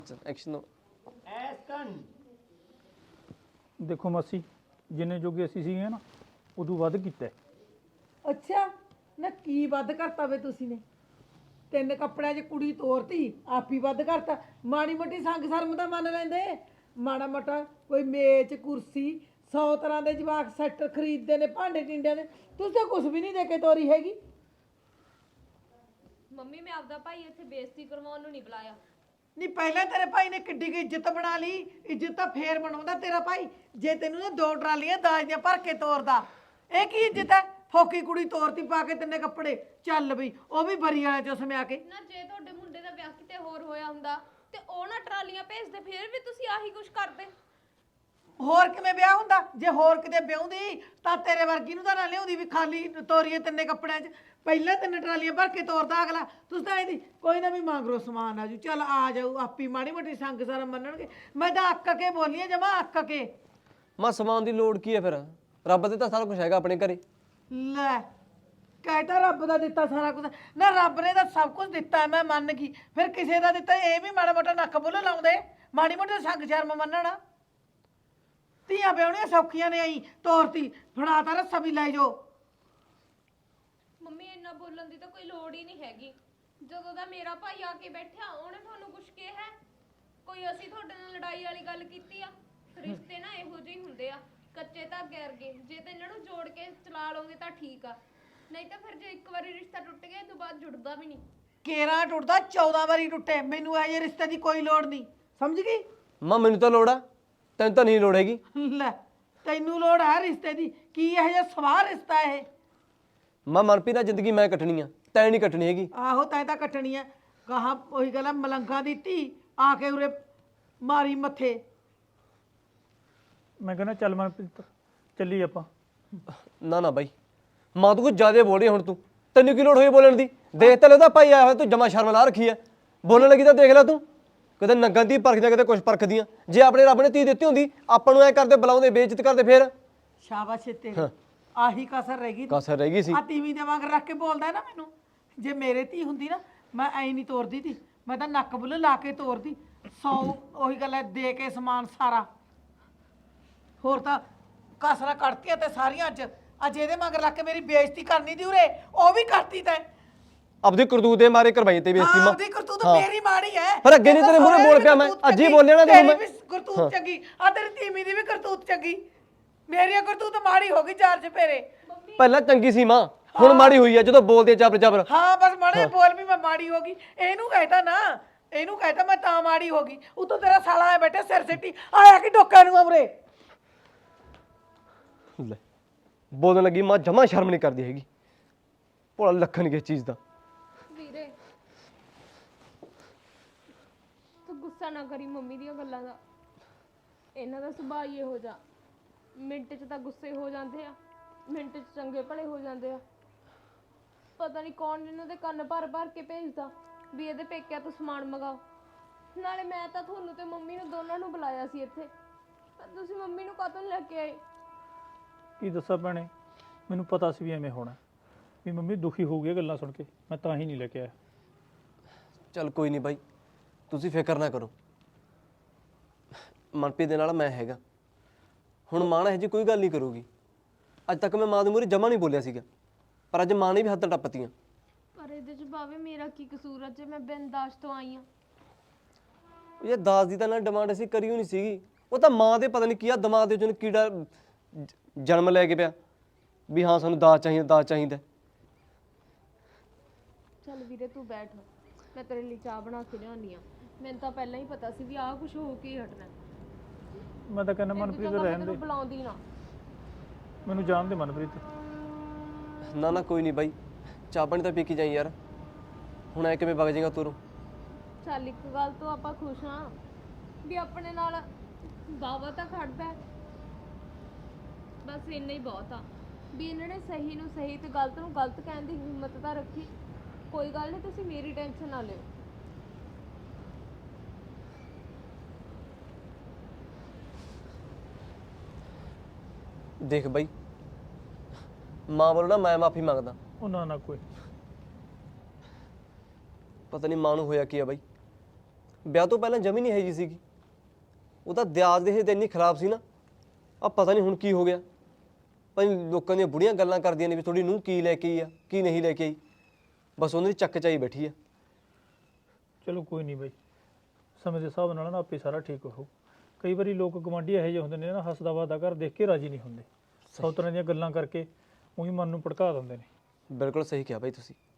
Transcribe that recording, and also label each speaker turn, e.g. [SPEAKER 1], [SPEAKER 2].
[SPEAKER 1] Action
[SPEAKER 2] ਦੇਖੋ ਮਾਸੀ ਜਿੰਨੇ ਜੋਗੇ ਅਸੀਂ ਸੀਗੇ ਨਾ ਉਦੋਂ ਵੱਧ ਕੀਤਾ ਹੈ।
[SPEAKER 3] ਅੱਛਾ ਨਾ ਕੀ ਵੱਧ ਕਰਤਾ ਵੇ ਤੁਸੀਂ ਨੇ ਤਿੰਨ ਕੱਪੜਿਆਂ 'ਚ ਕੁੜੀ ਤੋਰਤੀ ਆਪ ਹੀ ਵੱਧ ਕਰਤਾ ਮਾੜੀ ਮੋਟੀ ਸੰਗ ਸ਼ਰਮ ਤਾਂ ਮੰਨ ਲੈਂਦੇ ਮਾੜਾ ਮੋਟਾ ਕੋਈ ਮੇਜ਼ ਕੁਰਸੀ 100 ਤਰ੍ਹਾਂ ਦੇ ਜਵਾਕ ਸੈੱਟ ਖਰੀਦਦੇ ਨੇ ਭਾਂਡੇ ਟਿੰਡਿਆਂ ਦੇ ਤੁਸੀਂ ਤਾਂ ਕੁਝ ਵੀ ਨਹੀਂ ਦੇ ਕੇ ਤੋਰੀ ਹੈਗੀ।
[SPEAKER 4] ਮੰਮੀ ਮੈਂ ਆਪਦਾ ਭਾਈ ਇੱਥੇ ਬੇਇੱਜ਼ਤੀ ਕਰਵਾਉਣ ਨੂੰ ਨਹੀਂ ਬੁਲਾਇਆ।
[SPEAKER 3] ਨਹੀਂ ਪਹਿਲਾਂ ਤੇਰੇ ਭਾਈ ਨੇ ਕਿੱਡੀ ਕੀ ਇੱਜ਼ਤ ਬਣਾ ਲਈ ਇੱਜ਼ਤ ਤਾਂ ਫੇਰ ਬਣਾਉਂਦਾ ਤੇਰਾ ਭਾਈ ਜੇ ਤੈਨੂੰ ਨਾ 2 ਟਰਾਲੀਆਂ ਦਾਜ ਦੀਆਂ ਭਰ ਕੇ ਤੋਰਦਾ ਇਹ ਕੀ ਇੱਜ਼ਤ ਹੈ ਫੋਕੀ ਕੁੜੀ ਤੋਰਤੀ ਪਾ ਕੇ ਤਿੰਨੇ ਕੱਪੜੇ ਚੱਲ ਬਈ ਉਹ ਵੀ ਬਰੀ ਵਾਲੇ ਚੋਂ ਸਮਿਆ ਕੇ
[SPEAKER 4] ਨਾ ਜੇ ਤੁਹਾਡੇ ਮੁੰਡੇ ਦਾ ਵਿਆਹ ਕਿਤੇ ਹੋਰ ਹੋਇਆ ਹੁੰਦਾ ਤੇ ਉਹ ਨਾ ਟਰਾਲੀਆਂ ਭੇਜਦੇ ਫਿਰ ਵੀ ਤੁਸੀਂ ਆਹੀ ਕੁਝ ਕਰਦੇ।
[SPEAKER 3] ਹੋਰ ਕਿਵੇਂ ਵਿਆਹ ਹੁੰਦਾ ਜੇ ਹੋਰ ਕਿਤੇ ਵਿਆਹੁੰਦੀ ਤਾਂ ਤੇਰੇ ਵਰਗੀ ਨੂੰ ਤਾਂ ਨਾ ਲਿਆਉਂਦੀ ਵੀ ਖਾਲੀ ਤੋਰੀਏ ਤਿੰਨੇ ਕੱਪੜਿਆਂ 'ਚ ਪਹਿਲਾਂ ਤਿੰਨ ਟਰਾਲੀਆਂ ਭਰ ਕੇ ਤੋਰਦਾ ਅਗਲਾ ਤੁਸੀਂ ਤਾਂ ਇਹਦੀ ਕੋਈ ਨਾ ਵੀ ਮੰਗਰੋ ਸਮਾਨ ਆਜੂ ਚੱਲ ਆ ਜਾਊ ਆਪੀ ਮਾੜੀ ਮੋਟੀ ਸੰਗ ਸਾਰਾ ਮੰਨਣਗੇ ਮੈਂ ਤਾਂ ਅੱਕ ਕੇ ਬੋਲੀ ਜਮਾ ਅੱਕ ਕੇ
[SPEAKER 1] ਮਾਂ ਸਮਾਨ ਦੀ ਲੋੜ ਕੀ ਹੈ ਫਿਰ ਰੱਬ ਦੇ ਤਾਂ ਸਾਰਾ ਕੁਝ ਹੈਗਾ ਆਪਣੇ ਘਰੇ।
[SPEAKER 3] ਲੈ ਕਹਿਤਾ ਰੱਬ ਦਾ ਦਿੱਤਾ ਸਾਰਾ ਕੁਝ ਨਾ ਰੱਬ ਨੇ ਤਾਂ ਸਭ ਕੁਝ ਦਿੱਤਾ ਮੈਂ ਮੰਨ ਗਈ ਫਿਰ ਕਿਸੇ ਦਾ ਦਿੱਤਾ ਇਹ ਵੀ ਮਾੜਾ ਮੋਟਾ ਨੱਕ ਬੁੱਲ ਲਾਉਂਦੇ ਮਾੜੀ ਮੋਟੀ ਸੰਗ ਸ਼ਰਮ ਮੰਨਣ ਧੀਆਂ ਵਿਆਹੁਣੀਆਂ ਸੌਖੀਆਂ ਨੇ ਆਈ ਤੋਰਤੀ ਫੜਾਤਾ ਰੱਸਾ ਵੀ ਲੈ ਜਾਓ।
[SPEAKER 4] ਮੰਮੀ ਇੰਨਾ ਬੋਲਣ ਦੀ ਤਾਂ ਕੋਈ ਲੋੜ ਹੀ ਨਹੀਂ ਹੈਗੀ। ਜਦੋਂ ਦਾ ਮੇਰਾ ਭਾਈ ਆ ਕੇ ਬੈਠਿਆ ਉਹਨੇ ਤੁਹਾਨੂੰ ਕੁਝ ਕਿਹਾ ਹੈ? ਕੋਈ ਅਸੀਂ ਤੁਹਾਡੇ ਨਾਲ ਲੜਾਈ ਵਾਲੀ ਗੱਲ ਕੀਤੀ ਆ? ਰਿਸ਼ਤੇ ਨਾ ਇਹੋ ਜਿਹੇ ਹੀ ਹੁੰਦੇ ਆ ਕੱਚੇ ਧਾਗੇ ਵਰਗੇ ਜੇ ਤੇ ਇਹਨਾਂ ਨੂੰ ਜੋੜ ਕੇ ਚਲਾ ਲਓਗੇ ਤਾਂ ਠੀਕ ਆ ਨਹੀਂ ਤਾਂ ਫਿਰ ਜੇ ਇੱਕ ਵਾਰੀ ਰਿਸ਼ਤਾ ਟੁੱਟ ਗਿਆ ਤੋਂ ਬਾਅਦ ਜੁੜਦਾ ਵੀ ਨਹੀਂ।
[SPEAKER 3] ਕੇਰਾ ਟੁੱਟਦਾ 14 ਵਾਰੀ ਟੁੱਟੇ ਮੈਨੂੰ ਇਹ ਰਿਸ਼ਤੇ ਦੀ ਕੋਈ ਲੋੜ ਨਹੀਂ ਸਮਝ ਗਈ।
[SPEAKER 1] ਮਾਂ ਮੈਨੂੰ ਤਾਂ ਲੋੜ ਆ ਤੈਨੂੰ ਤਾਂ ਨਹੀਂ ਲੋੜ ਹੈਗੀ।
[SPEAKER 3] ਲੈ ਤੈਨੂੰ ਲੋੜ ਹੈ ਰਿਸ਼ਤੇ ਦੀ ਕੀ ਇਹ ਜਿਹਾ ਸਵਾਹ ਰਿਸ਼ਤਾ ਇਹ
[SPEAKER 1] ਮਾਂ ਮਨਪ੍ਰੀਤ ਨਾਲ ਜ਼ਿੰਦਗੀ ਮੈਂ ਕੱਟਣੀ ਆ ਤੈਂ ਨਹੀਂ ਕੱਟਣੀ ਹੈਗੀ।
[SPEAKER 3] ਆਹੋ ਤੈਂ ਤਾਂ ਕੱਟਣੀ ਹੈ ਕਹਾ ਉਹੀ ਗੱਲ ਹੈ ਮਲੰਗਾ ਦੀ ਧੀ ਆ ਕੇ ਉਰੇ ਮਾਰੀ ਮੱਥੇ।
[SPEAKER 2] ਮੈਂ ਕਹਿੰਦਾ ਚੱਲ ਮਨਪ੍ਰੀਤ ਚੱਲੀ ਆਪਾਂ।
[SPEAKER 1] ਨਾ ਨਾ ਬਾਈ ਮਾਂ ਤੂੰ ਕੁਝ ਜ਼ਿਆਦਾ ਬੋਲ ਰਹੀ ਹੁਣ ਤੂੰ ਤੈਨੂੰ ਕੀ ਲੋੜ ਹੋਈ ਬੋਲਣ ਦੀ ਦੇਖ ਤਾਂ ਲੈਦਾ ਭਾਈ ਆਇਆ ਹੋਇਆ ਤੂੰ ਜਮਾ ਸ਼ਰਮ ਲਾ ਰੱਖੀ ਐ ਬੋਲਣ ਲੱਗੀ ਤਾਂ ਦੇਖ ਲੈ ਤੂੰ ਕਿਤੇ ਨੰਗਾਂ ਦੀ ਪਰਖਦੀਆਂ ਕਿਤੇ ਕੁਛ ਪਰਖਦੀਆਂ ਜੇ ਆਪਣੇ ਰੱਬ ਨੇ ਧੀ ਦਿੱਤੀ ਹੁੰਦੀ ਆਪਾਂ ਨੂੰ ਐ ਕਰਦੇ ਬੁਲਾਉਂਦੇ ਬੇਇੱਜ਼ਤ ਕਰਦੇ ਫੇਰ
[SPEAKER 3] ਸ਼ਾਬਾਸ਼ ਏ ਤੇਰੀ ਆਹੀ ਕਸਰ ਰਹਿ ਗਈ
[SPEAKER 1] ਕਸਰ ਰਹਿ ਗਈ ਸੀ
[SPEAKER 3] ਆ ਤੀਵੀਂ ਦੇ ਵਾਂਗ ਰੱਖ ਕੇ ਬੋਲਦਾ ਹੈ ਨਾ ਮੈਨੂੰ ਜੇ ਮੇਰੇ ਧੀ ਹੁੰਦੀ ਨਾ ਮੈਂ ਐ ਨਹੀਂ ਤੋਰਦੀ ਤੀ ਮੈਂ ਤਾਂ ਨੱਕ ਬੁੱਲ ਲਾ ਕੇ ਤੋਰਦੀ 100 ਉਹੀ ਗੱਲ ਹੈ ਦੇ ਕੇ ਸਮਾਨ ਸਾਰਾ ਹੋਰ ਤਾਂ ਕਸਰਾਂ ਕੱਢਤੀਆਂ ਤੇ ਸਾਰੀਆਂ ਅੱਜ ਇਹਦੇ ਮਗਰ ਲੱਗ ਕੇ ਮੇਰੀ ਬੇਇੱਜ਼ਤੀ ਕਰਨੀ ਦੀ ਉਰੇ ਉਹ ਵੀ ਕਰਤੀ ਤੈਂ
[SPEAKER 1] ਆਪਦੀ ਕਰਤੂਤ ਦੇ ਮਾਰੇ ਕਰਵਾਈ ਤੇ ਬੇਇੱਜ਼ਤੀ ਮਾਂ
[SPEAKER 3] ਆਪਦੀ ਕਰਤੂਤ ਮੇਰੀ ਮਾੜੀ ਹੈ
[SPEAKER 1] ਪਰ ਅੱਗੇ ਨਹੀਂ ਤੇਰੇ ਮੂਹਰੇ ਬੋਲ ਪਿਆ ਮੈਂ ਅੱਜ ਹੀ ਬੋਲਿਆ ਨਾ ਤੈਨੂੰ ਮੈਂ
[SPEAKER 3] ਕਰਤੂਤ ਚੰਗੀ ਆ ਤੇਰੀ ਧੀਮੀ ਦੀ ਵੀ ਕਰਤੂਤ ਚੰਗੀ ਮੇਰੀ ਕਰਤੂਤ ਮਾੜੀ ਹੋ ਗਈ ਚਾਰ ਚਪੇਰੇ
[SPEAKER 1] ਪਹਿਲਾਂ ਚੰਗੀ ਸੀ ਮਾਂ ਹੁਣ ਮਾੜੀ ਹੋਈ ਆ ਜਦੋਂ ਬੋਲਦੇ ਜਬਰ ਜਬਰ।
[SPEAKER 3] ਹਾਂ ਬਸ ਮਾੜੇ ਬੋਲ ਵੀ ਮੈਂ ਮਾੜੀ ਹੋ ਗਈ ਇਹਨੂੰ ਕਹਿਤਾ ਨਾ ਇਹਨੂੰ ਕਹਿਤਾ ਮੈਂ ਤਾਂ ਮਾੜੀ ਹੋ ਗਈ ਉਤੋਂ ਤੇਰਾ ਸਾਲਾ ਆਇਆ ਬੈਠਾ ਸਿਰ ਸਿੱਟੀ ਆਇਆ ਕਿ ਡੋਕਾ ਨੂੰ ਅਮਰੇ
[SPEAKER 1] ਲੈ ਬੋਲਣ ਲੱਗੀ ਮਾਂ ਜਮਾ ਸ਼ਰਮ ਨਹੀਂ ਕਰਦੀ ਹੈਗੀ ਭੋਲਾ ਲੱਖਣ ਕਿਸ ਚੀਜ਼ ਦਾ।
[SPEAKER 4] ਵੀਰੇ ਤੂੰ ਗੁੱਸਾ ਨਾ ਕਰੀ ਮੰਮੀ ਦੀਆਂ ਗੱਲਾਂ ਦਾ ਇਹਨਾਂ ਦਾ ਸੁਭਾਅ ਹੀ ਇਹੋ ਜਿਹਾ ਮਿੰਟ 'ਚ ਤਾਂ ਗੁੱਸੇ ਹੋ ਜਾਂਦੇ ਆ ਮਿੰਟ 'ਚ ਚੰਗੇ ਭਲੇ ਹੋ ਜਾਂਦੇ ਆ। ਪਤਾ ਨਹੀਂ ਕੌਣ ਇਹਨਾਂ ਦੇ ਕੰਨ ਭਰ ਭਰ ਕੇ ਭੇਜਦਾ ਵੀ ਇਹਦੇ ਪੇਕਿਆਂ ਤੋਂ ਸਮਾਨ ਮੰਗਾਓ। ਨਾਲੇ ਮੈਂ ਤਾਂ ਤੁਹਾਨੂੰ ਤੇ ਮੰਮੀ ਨੂੰ ਦੋਨਾਂ ਨੂੰ ਬੁਲਾਇਆ ਸੀ ਇੱਥੇ ਪਰ ਤੁਸੀਂ ਮੰਮੀ ਨੂੰ ਕਾਹਤੋਂ ਲੈ ਕੇ ਆਏ?
[SPEAKER 2] ਕੀ ਦੱਸਾਂ ਭੈਣੇ ਮੈਨੂੰ ਪਤਾ ਸੀ ਵੀ ਐਵੇਂ ਹੋਣਾ ਵੀ ਮੰਮੀ ਦੁਖੀ ਹੋ ਗਈ ਗੱਲਾਂ ਸੁਣ ਕੇ ਮੈਂ ਤਾਂ ਹੀ ਨਹੀਂ ਲੈ ਕੇ ਆਇਆ।
[SPEAKER 1] ਚੱਲ ਕੋਈ ਨਹੀਂ ਬਾਈ ਤੁਸੀਂ ਫਿਕਰ ਨਾ ਕਰੋ ਮਨਪ੍ਰੀਤ ਦੇ ਨਾਲ ਮੈਂ ਹੈਗਾ ਹੁਣ ਮਾਂ ਇਹੋ ਜਿਹੀ ਕੋਈ ਗੱਲ ਨਹੀਂ ਕਰੂਗੀ। ਅੱਜ ਤੱਕ ਮੈਂ ਮਾਂ ਦੇ ਮੂਹਰੇ ਜਮਾ ਨਹੀਂ ਬੋਲਿਆ ਸੀਗਾ ਪਰ ਅੱਜ ਮਾਂ ਨੇ ਵੀ ਹੱਥ ਟੱਪਤੀਆਂ।
[SPEAKER 4] ਪਰ ਇਹਦੇ 'ਚ ਭਾਵੇਂ ਮੇਰਾ ਕੀ ਕਸੂਰ ਆ ਜੇ ਮੈਂ ਬਿੰਦਾਸ਼ ਤੋਂ ਆਈ ਆ।
[SPEAKER 1] ਇਹ ਦਾਸ ਦੀ ਤਾਂ ਨਾ ਡਿਮਾਂਡ ਅਸੀਂ ਕਰੀ ਹੋਈ ਨਹੀਂ ਸੀਗੀ ਉਹ ਤਾਂ ਮਾਂ ਦੇ ਪਤਾ ਨਹੀਂ ਕੀ ਆ ਦਿਮਾਗ ਦੇ ਵਿੱਚੋਂ ਕੀੜਾ ਜਨਮ ਲੈ ਕੇ ਪਿਆ ਵੀ ਹਾਂ ਸਾਨੂੰ ਦਾਜ ਚਾਹੀਦਾ।
[SPEAKER 4] ਚੱਲ ਵੀਰੇ ਤੂੰ ਬੈਠ ਮੈਂ ਤੇਰੇ ਲਈ ਚਾਹ ਬਣਾ ਕੇ ਲਿਆਉਣੀ ਆ। ਮੈਨੂੰ ਤਾਂ ਪਹਿਲਾਂ ਹੀ ਪਤਾ ਸੀ ਵੀ ਆਹ ਕੁਝ ਹੋ ਕੇ ਹੀ ਹਟਣਾ।
[SPEAKER 2] ਮੈਂ ਤਾਂ ਕਹਿੰਦਾ ਮਨਪ੍ਰੀਤ ਰਹਿਣ ਦੇ
[SPEAKER 4] ਬੁਲਾਉਂਦੀ ਨਾ
[SPEAKER 2] ਮੈਨੂੰ ਜਾਣ ਦੇ ਮਨਪ੍ਰੀਤ।
[SPEAKER 1] ਨਾ ਨਾ ਕੋਈ ਨਹੀਂ ਬਾਈ ਚਾਹ ਪਾਣੀ ਤਾਂ ਪੀ ਕੇ ਜਾਈ ਯਾਰ ਹੁਣ ਐ ਕਿਵੇਂ ਵਗ ਜਾਏਗਾ ਤੂੰ।
[SPEAKER 4] ਚੱਲ ਇੱਕ ਗੱਲ ਤੋਂ ਆਪਾਂ ਖੁਸ਼ ਹਾਂ ਵੀ ਆਪਣੇ ਨਾਲ ਬਾਵਾ ਤਾਂ ਖੜਦਾ ਹੈ। ਬਸ ਇੰਨਾ ਹੀ ਬਹੁਤ ਆ ਵੀ ਇਹਨਾਂ ਨੇ ਸਹੀ ਨੂੰ ਸਹੀ ਤੇ ਗਲਤ ਨੂੰ ਗਲਤ ਕਹਿਣ ਦੀ ਹਿੰਮਤ ਤਾਂ ਰੱਖੀ। ਕੋਈ ਗੱਲ ਨਹੀਂ ਤੁਸੀਂ ਮੇਰੀ ਟੈਨਸ਼ਨ ਨਾ ਲਿਓ।
[SPEAKER 1] ਦੇਖ ਬਾਈ ਮਾਂ ਵੱਲੋਂ ਨਾ ਮੈਂ ਮਾਫੀ ਮੰਗਦਾ।
[SPEAKER 2] ਉਹ ਨਾ ਕੋਈ
[SPEAKER 1] ਪਤਾ ਨਹੀਂ ਮਾਂ ਨੂੰ ਹੋਇਆ ਕੀ ਆ ਬਾਈ ਵਿਆਹ ਤੋਂ ਪਹਿਲਾਂ ਜਮੀ ਨਹੀਂ ਹੈ ਜੀ ਸੀਗੀ। ਉਹ ਤਾਂ ਦਿਆਜ ਦੇ ਇੰਨੀ ਖਰਾਬ ਸੀ ਨਾ, ਆ ਪਤਾ ਨਹੀਂ ਹੁਣ ਕੀ ਹੋ ਗਿਆ। ਭਾਈ ਲੋਕਾਂ ਦੀਆਂ ਬੁੜੀਆਂ ਗੱਲਾਂ ਕਰਦੀਆਂ ਨੇ ਵੀ ਤੁਹਾਡੀ ਨੂੰਹ ਕੀ ਲੈ ਕੇ ਆਈ ਆ, ਕੀ ਨਹੀਂ ਲੈ ਕੇ ਆਈ। ਬਸ ਉਹਨਾਂ ਦੀ ਚੱਕ ਚਾਈ ਬੈਠੀ ਆ।
[SPEAKER 2] ਚਲੋ ਕੋਈ ਨਹੀਂ ਬਾਈ, ਸਮੇਂ ਦੇ ਹਿਸਾਬ ਨਾਲ ਨਾ ਆਪੇ ਸਾਰਾ ਠੀਕ ਹੋ। ਕਈ ਵਾਰੀ ਲੋਕ ਗਵਾਂਢੀ ਇਹੋ ਜਿਹੇ ਹੁੰਦੇ ਨੇ ਨਾ, ਹੱਸਦਾ ਵੱਸਦਾ ਘਰ ਦੇਖ ਕੇ ਰਾਜੀ ਨਹੀਂ ਹੁੰਦੇ, ਸੌ ਤਰ੍ਹਾਂ ਦੀਆਂ ਗੱਲਾਂ ਕਰਕੇ ਉਹੀ ਮਨ ਨੂੰ ਭੜਕਾ ਦਿੰਦੇ ਨੇ।
[SPEAKER 1] ਬਿਲਕੁਲ ਸਹੀ ਕਿਹਾ ਭਾਈ ਤੁਸੀਂ।